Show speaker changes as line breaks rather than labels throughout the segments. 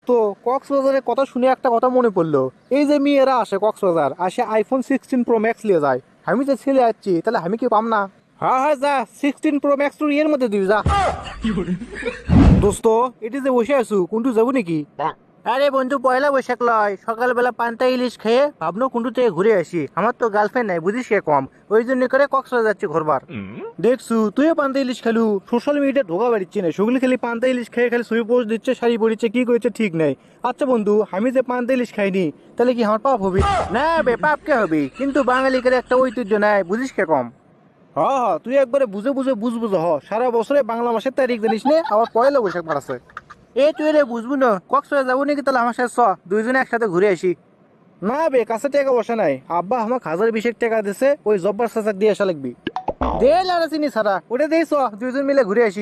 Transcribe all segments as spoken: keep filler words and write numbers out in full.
দোস্ত, কক্সবাজারের কথা শুনে একটা কথা মনে পড়লো। এই যে মেয়েরা আসে কক্সবাজার, আসে আইফোন সিক্সটিন প্রো ম্যাক্স নিয়ে যায়। আমি যে ছেলে যাচ্ছি, তাহলে আমি কি পাম না? হ্যাঁ হ্যাঁ, যা সিক্সটিন প্রো ম্যাক্স তুই এর মধ্যে দিবি যা। দোস্ত, এটি যে বসে আছো, কোনটু যাবো নাকি? আরে বন্ধু, পয়লা বৈশাখ লয়, সকালবেলা পান্তা ইলিশ খেয়ে ভাবনো কুন্টু থেকে ঘুরে আসি। আমার তো গার্লফ্রেন্ড নাই, বুঝিস কে কম, ওই জন্য করে কক্সবাজার যাচ্ছি ঘুরবার। দেখছু তুইও পান্তা ইলিশ খেলু, সোশ্যাল মিডিয়া ঢোকা বাড়িচ্ছে না, সেগুলি খালি পান্তা ইলিশ খেয়ে খালি ছবি পোস্ট দিচ্ছে, শাড়ি পরিচ্ছে, কি করেছে ঠিক নাই। আচ্ছা বন্ধু, আমি যে পান্তা ইলিশ খাইনি, তাহলে কি আমার পাপ হবে? না বে, পাপ কে হবে, কিন্তু বাঙালিদের একটা ঐতিহ্য নাই, বুঝিস কে কম। হ্যাঁ হ্যাঁ, তুই একবারে বুঝে বুঝে বুঝ বুঝে হ, সারা বছরে বাংলা মাসের তারিখ জানিস নে, আবার পয়লা বৈশাখ মারাছে। এ তুই রে বুঝবো না, কক্সবাজার যাবো নাকি? তাহলে আমার সাথে চ, দুইজনে একসাথে ঘুরে আসি। না বে, কাছে টাকা বসে নাই, আব্বা আমার হাজার বিশেক টাকা দিছে, ওই জব্বার চাচাক দিয়ে আসা লাগবি। দে লারা চিনি সারা, ওটা দিয়ে চ, দুইজন মিলে ঘুরে আসি।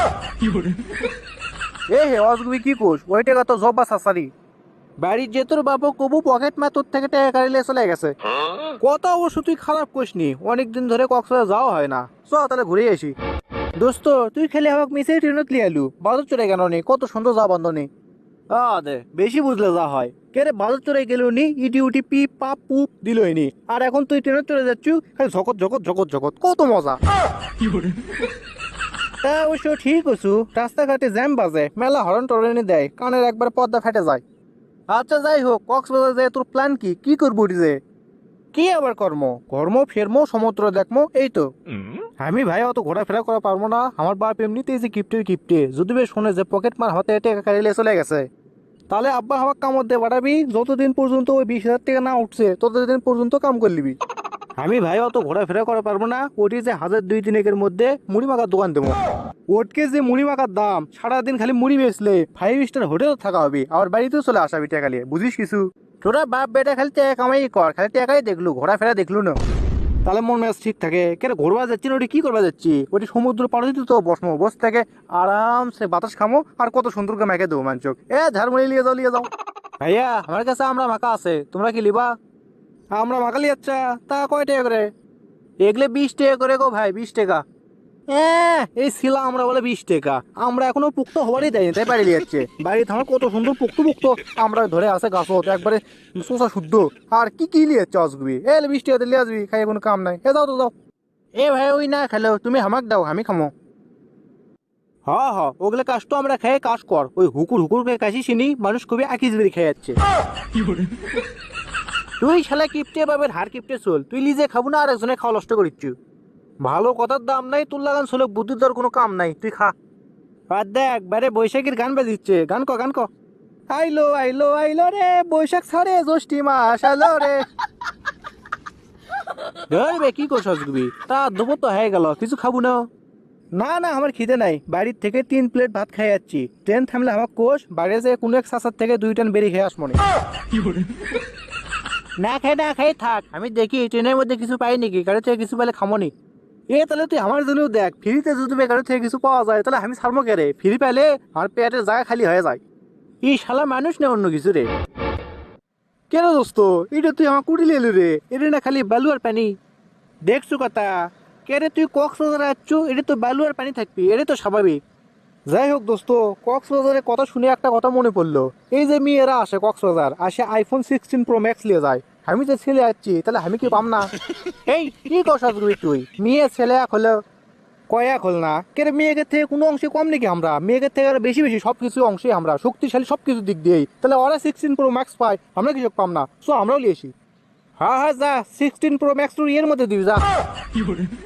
এ হে অজগুবি কি কোস, ওই টাকা তো জব্বা চাচারি। বাড়ির যে তোর বাবু কবু পকেট মা তোর থেকে টাকা কাড়িলে চলে গেছে। কথা অবশ্য তুই খারাপ করিসনি, অনেকদিন ধরে কক্সবাজার যাওয়া হয় না, চ তাহলে ঘুরে আসি। দোস্ত, তুই খেলে আমাকে মিশে ট্রেনত লিয়ে আলু, বাজার চড়ে কেন নি, কত সুন্দর যা বন্ধনী। আ দে, বেশি বুঝলে যা হয়। কে রে, বাজার চড়ে গেল নি, ইটি উটি পি পাপ পুপ দিলই নি, আর এখন তুই ট্রেনত চড়ে যাচ্ছু, খালি ঝকত ঝকত ঝকত ঝকত, কত মজা। তা অবশ্য ঠিক আছু, রাস্তাঘাটে জ্যাম বাজে, মেলা হরন টরনি দেয়, কানের একবার পর্দা ফেটে যায়। আচ্ছা যাই হোক, কক্সবাজার যায় তোর প্ল্যান কি, কি করবো যে? কি আবার কর্ম, কর্ম ফেরমো, সমুদ্র দেখমো, এই তো। আমি ভাই অত ঘোরাফেরা করা পারবো না, আমার বাপ এমনিতেই যে কিপ্টের কিপ্টে, যদি বে শুনে যে পকেট মার হাতে টাকা কাড়িলে চলে গেছে, তাহলে আব্বা আমার কামড় দিয়ে বাড়াবি, যতদিন পর্যন্ত ওই বিশ হাজার টাকা না উঠছে ততদিন পর্যন্ত কাম করে নিবি। আমি ভাই অত ঘোরাফেরা করা পারবো না, ওটি যে হাজার দুই তিনেকের মধ্যে মুড়ি মাখার দোকান দেবো। ওটকে যে মুড়ি মাখার দাম, সারাদিন খালি মুড়ি বেচলে ফাইভ স্টার হোটেল থাকা হবে, আর বাড়িতেও চলে আসাবি টাকা নিয়ে, বুঝিস কিছু? তোরা বাপ বেটা খালি টাকা কামাই কর, খালি টাকাই দেখলু, ঘোরাফেরা দেখলু না। তাহলে মন মেজাজ ঠিক থাকে। কেন ঘুরবা যাচ্ছি না, ওটি কি করবা যাচ্ছি? ওটি সমুদ্র পাড়ে তো বসমো, বস থেকে আরামসে বাতাস খামো, আর কত সুন্দর করে মেখে দেবো মানচক। এ ঝাড়মুড়ি লিয়ে যাও, লিয়ে যাও। ভাইয়া, আমার কাছে আমরা মাখা আছে, তোমরা কি লিবা? আমরা মাখালি, আচ্ছা তা কয় টাকা করে? এগুলো বিশ টাকা করে গো ভাই, বিশ টাকা। হ্যাঁ, এই ছিলা আমরা বলে বিশ টাকা, আমরা এখনো পুক্ত হবারই দেয়নি, তাই বাড়ি যাচ্ছে। বাড়িতে আমার কত সুন্দর পুক্ত পুক্ত আমরা ধরে আসে গাছত, একবারে শোষা শুদ্ধ। আর কি কি লিয়ে যাচ্ছে অসবি, এ বিশ টাকা লিয়ে আসবি, খাই কোনো কাম নাই, এ যাও তো যাও। এ ভাই, ওই না খেলো, তুমি হামাক দাও, আমি খামো। হ্যাঁ হ্যাঁ, ওগুলো কাজ তো আমরা খেয়ে কাজ কর, ওই হুকুর হুকুর করে কাশি চিনি, মানুষ খুবই আকিজ বেরি খেয়ে যাচ্ছে। তুই শালা কিপটে বাবের হার কিপটে চল, তুই নিজে খাবো না আর একজনে খাওয়া নষ্ট করিচ্ছু। ভালো কথার দাম নাই, তোর লাগান ছিল বুদ্ধির তোর কোনো কাম নাই, তুই খা। আর দেখ বাইরে বৈশাখীর গান বাজিচ্ছে, গান ক গান ক। আইলো আইলো আইলো রে বৈশাখ ছাড়ে জ্যৈষ্ঠী মাস আলো রে। ধরবে কি করছ আসবি, তা দুপুর তো হয়ে গেল, কিছু খাবো না? না না, আমার খিদে নাই, বাড়ির থেকে তিন প্লেট ভাত খাই যাচ্ছি, ট্রেন থামলে আমার কোষ, বাইরে যে কোনো এক সাসার থেকে দুই টান বেরিয়ে খেয়ে আসমনে। না খাই না খাই থাক, আমি দেখি ট্রেনের মধ্যে কিছু পাই নাকি, গাড়ি থেকে কিছু পেলে খামনি। এ তাহলে তুই আমার জন্যও দেখ, ফ্রিতে যদি গাড়ি থেকে কিছু পাওয়া যায়, তাহলে আমি ছাড়বো কে রে, ফ্রি পাইলে আমার পেটের জায়গা খালি হয়ে যায়। ই শালা মানুষ না অন্য কিছু রে। কেন দোস্ত, এটা তুই আমার কুড়ি এলু রে, এটা না খালি বালু আর পানি। দেখছু কথা, কে রে তুই কক্সবাজার আসছু, এটা তো বালু আর পানি থাকবি, এটা তো স্বাভাবিক। যাই হোক দোস্ত, কক্সবাজারের কথা শুনে একটা কথা মনে পড়লো। এই যে মেয়েরা আসে কক্সবাজার, আসে আইফোন সিক্সটিন প্রো ম্যাক্স নিয়ে যায়, আমি যে ছেলে যাচ্ছি, তাহলে আমি কি পাম না? এই কি কথা তুই, মেয়ে ছেলে এক হলো, কয়েক হল না কেরে, মেয়েদের থেকে কোনো অংশে কম নাকি আমরা? মেয়েদের থেকে আরো বেশি বেশি সব কিছু অংশে আমরা শক্তিশালী, সব কিছু দিক দিয়েই, তাহলে ওরা সিক্সটিন প্রো ম্যাক্স পায়, আমরা কিছু পাম না, সো আমরাও লিয়েছি। হ্যাঁ হ্যাঁ, যা সিক্সটিন প্রো ম্যাক্স তুই এর মধ্যে দিবি যা।